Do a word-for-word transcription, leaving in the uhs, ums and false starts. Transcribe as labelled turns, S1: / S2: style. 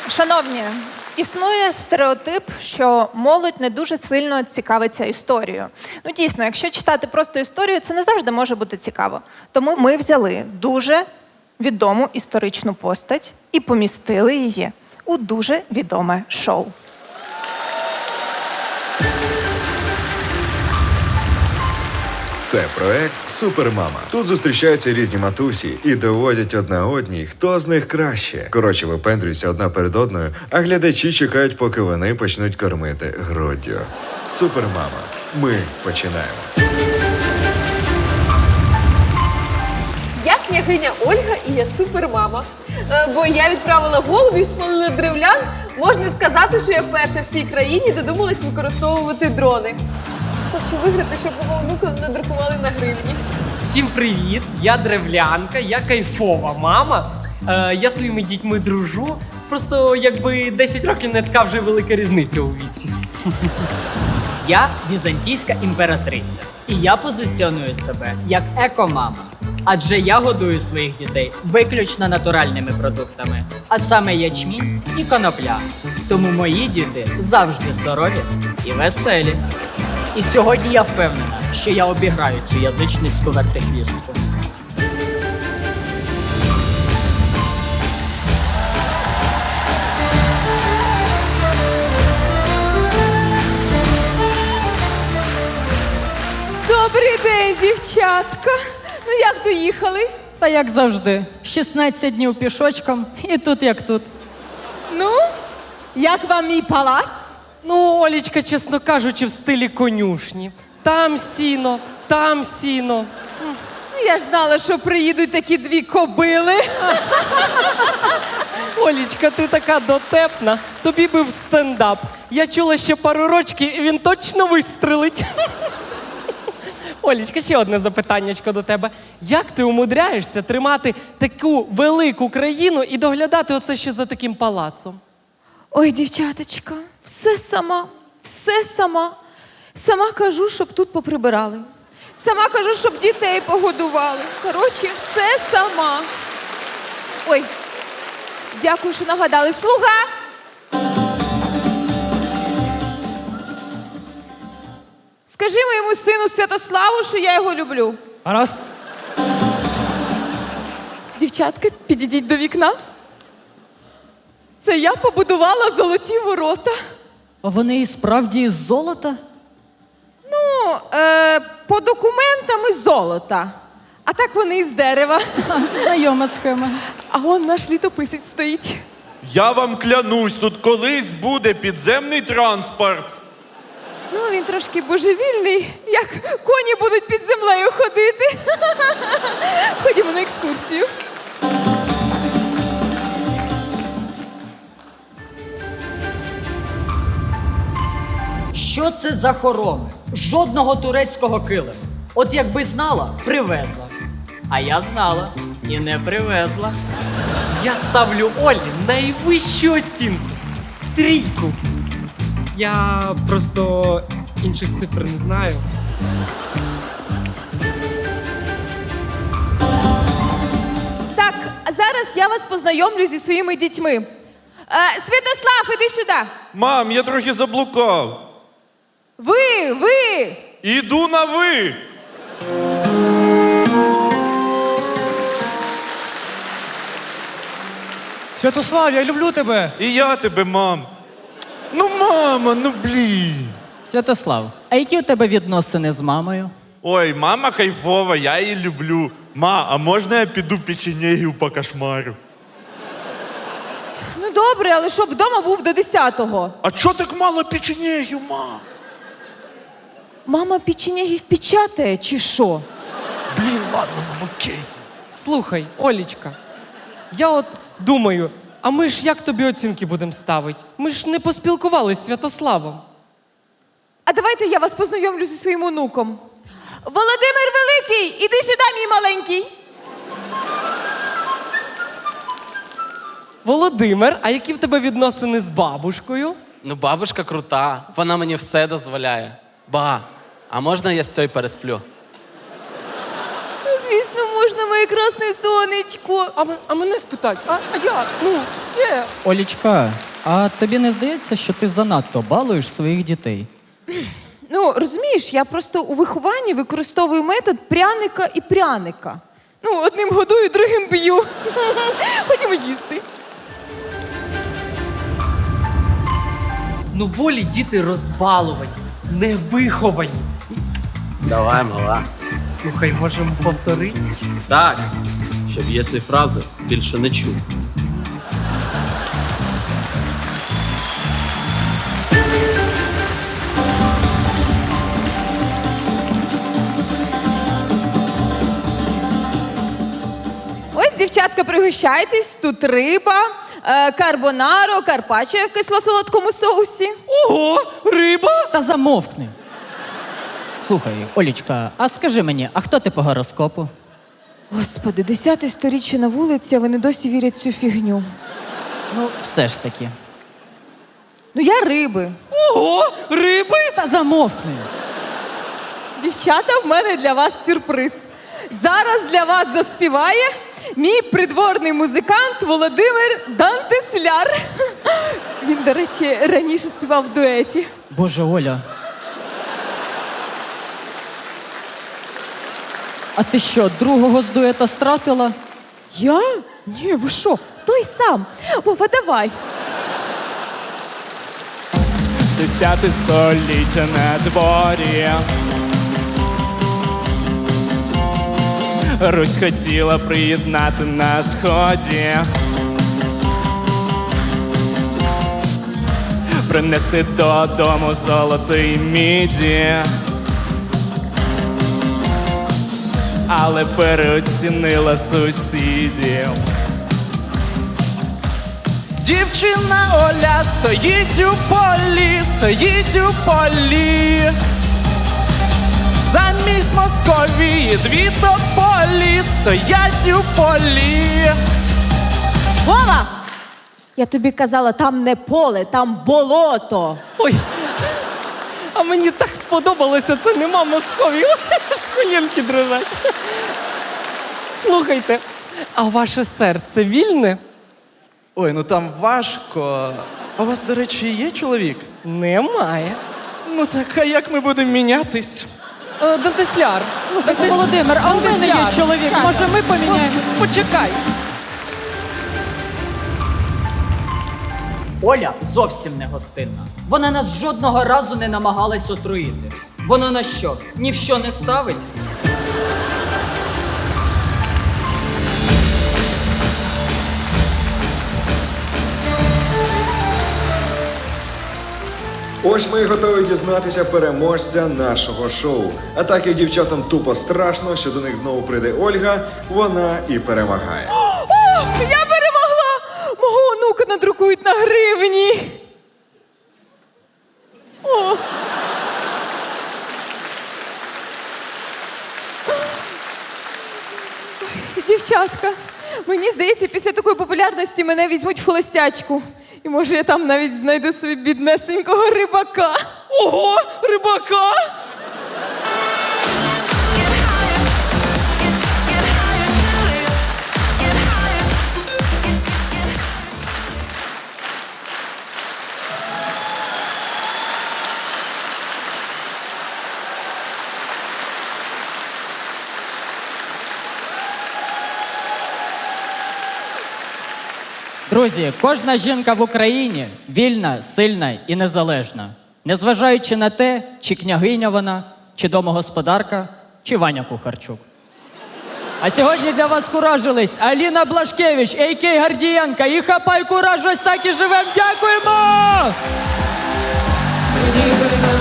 S1: Шановні, існує стереотип, що молодь не дуже сильно цікавиться історією. Ну, дійсно, якщо читати просто історію, це не завжди може бути цікаво. Тому ми взяли дуже відому історичну постать і помістили її у дуже відоме шоу.
S2: Це проект «Супермама». Тут зустрічаються різні матусі і доводять одна одній, хто з них краще. Коротше, випендрюються одна перед одною, а глядачі чекають, поки вони почнуть кормити груддю. «Супермама». Ми починаємо.
S3: Я княгиня Ольга і я супермама. Е, Бо я відправила голубів і спалила древлян. Можна сказати, що я перша в цій країні додумалась використовувати дрони. Хочу виграти, щоб мого онука надрукували на гривні.
S4: Всім привіт! Я древлянка, я кайфова мама. Е, я своїми дітьми дружу. Просто якби десять років не така вже велика різниця у віці.
S5: Я візантійська імператриця. І я позиціоную себе як екомама. Адже я годую своїх дітей виключно натуральними продуктами, а саме ячмінь і конопля. Тому мої діти завжди здорові і веселі. І сьогодні я впевнена, що я обіграю цю язичницьку вертихвістку.
S3: Добрий день, дівчатка. Ну як доїхали?
S6: Та як завжди, шістнадцять днів пішочком, і тут як тут.
S3: Ну, як вам мій палац?
S4: Ну, Олічка, чесно кажучи, в стилі конюшні. Там сіно, там сіно.
S3: Ну, я ж знала, що приїдуть такі дві кобили.
S4: Олічка, ти така дотепна. Тобі би в стендап. Я чула ще пару рочків, і він точно вистрелить. Олічка, ще одне запитаннячко до тебе. Як ти умудряєшся тримати таку велику країну і доглядати оце ще за таким палацом?
S3: Ой, дівчаточка, все сама, все сама. Сама кажу, щоб тут поприбирали. Сама кажу, щоб дітей погодували. Коротше, все сама. Ой, дякую, що нагадали. Слуга! Скажи моєму сину Святославу, що я його люблю.
S4: Раз.
S3: Дівчатка, підійдіть до вікна. Це я побудувала золоті ворота.
S6: А вони і справді із золота?
S3: Ну, е, по документам із золота. А так вони із дерева.
S6: Ха, знайома схема.
S3: А он наш літописець стоїть.
S7: Я вам клянусь, тут колись буде підземний транспорт.
S3: Ну, він трошки божевільний, як коні будуть під землею ходити. Ходімо на екскурсію.
S5: Що це за хороми? Жодного турецького килиму. От якби знала, привезла. А я знала і не привезла.
S4: Я ставлю Олі найвищу оцінку. Трійку. Я просто інших цифр не знаю.
S3: Так, а зараз я вас познайомлю зі своїми дітьми. Е, Святослав, іди сюди.
S7: Мам, я трохи заблукав.
S3: Ви, ви.
S7: Іду на ви.
S8: Святослав, я люблю тебе.
S7: І я тебе, мам. Ну, мама, ну блін.
S6: Святослав, а які у тебе відносини з мамою?
S7: Ой, мама кайфова, я її люблю. Ма, а можна я піду печенегів по кошмару?
S3: Ну добре, але щоб вдома був до десятого.
S7: А чо так мало печенегів, ма?
S3: Мама печенегів печатає, чи що?
S7: Блін, ладно, мам, окей.
S4: Слухай, Олічка, я от думаю, а ми ж як тобі оцінки будемо ставити? Ми ж не поспілкувалися з Святославом.
S3: А давайте я вас познайомлю зі своїм онуком. Володимир Великий, іди сюди, мій маленький.
S4: Володимир, а які в тебе відносини з бабушкою?
S9: Ну, бабушка крута, вона мені все дозволяє. Ба, а можна я з цією пересплю?
S3: Ну, звісно, можна, моє красне сонечко?
S4: А, м- а мене спитать, а, а як? Ну, є.
S6: Олічка, а тобі не здається, що ти занадто балуєш своїх дітей?
S3: Ну, розумієш, я просто у вихованні використовую метод пряника і пряника. Ну, одним годую, другим б'ю. Ходімо їсти.
S4: Ну, волі діти розбалувані, невиховані.
S9: Давай, мала.
S4: Слухай, можемо повторити?
S9: Так, щоб я ці фрази більше не чув.
S3: Ось, дівчатка, пригощайтесь. Тут риба, е, карбонаро, карпаччо в кисло-солодкому соусі.
S4: Ого, риба!
S6: Та замовкни. Слухай, Олічка, а скажи мені, а хто ти по гороскопу?
S3: Господи, десяте сторіччя на вулиці, а вони досі вірять в цю фігню.
S6: Ну, все ж таки.
S3: Ну, я риби.
S4: Ого, риби!
S6: Та замовкни.
S3: Дівчата, в мене для вас сюрприз. Зараз для вас заспіває мій придворний музикант Володимир Дантесляр. Він, до речі, раніше співав в дуеті.
S6: Боже, Оля. А ти що, другого з дуета стратила?
S3: Я? Ні, ви що? Той сам. Вова, давай.
S8: Десяте століття на дворі. Русь хотіла приєднати на сході. Принести додому золото й міді. Але переоцінила сусідів. Дівчина Оля стоїть у полі, стоїть у полі. Замість Московії дві тополі стоять у полі.
S3: Вова! Я тобі казала, там не поле, там болото.
S4: Ой, а мені так сподобалося, це нема Московії. Аж колінки дрожать. Слухайте, а ваше серце вільне?
S8: Ой, ну там важко. А у вас, до речі, є чоловік?
S4: Немає.
S8: Ну так, а як ми будемо мінятись?
S4: Е, Дантесляр. Дантес-
S6: Володимир, а у мене є
S4: Дантесляр.
S6: чоловік, може ми поміняємо?
S4: От, Почекай.
S5: Оля зовсім не гостинна. Вона нас жодного разу не намагалась отруїти. Вона на що? Ні в що не ставить?
S2: Ось ми і готові дізнатися переможця нашого шоу. А так як дівчатам тупо страшно, що до них знову прийде Ольга, вона і перемагає.
S3: О, я перемогла! Мого онука надрукують на гривні. О. Дівчатка, мені здається, після такої популярності мене візьмуть в холостячку. І може я там навіть знайду собі біднесенького рибака.
S4: Ого, рибака!
S6: Друзі, кожна жінка в Україні вільна, сильна і незалежна. Незважаючи на те, чи княгиня вона, чи домогосподарка, чи Ваня Кухарчук. А сьогодні для вас куражились Аліна Блашкевич, а ка а. Гордієнка. І хапай кураж, ось так і живем. Дякуємо!
S3: Ніби на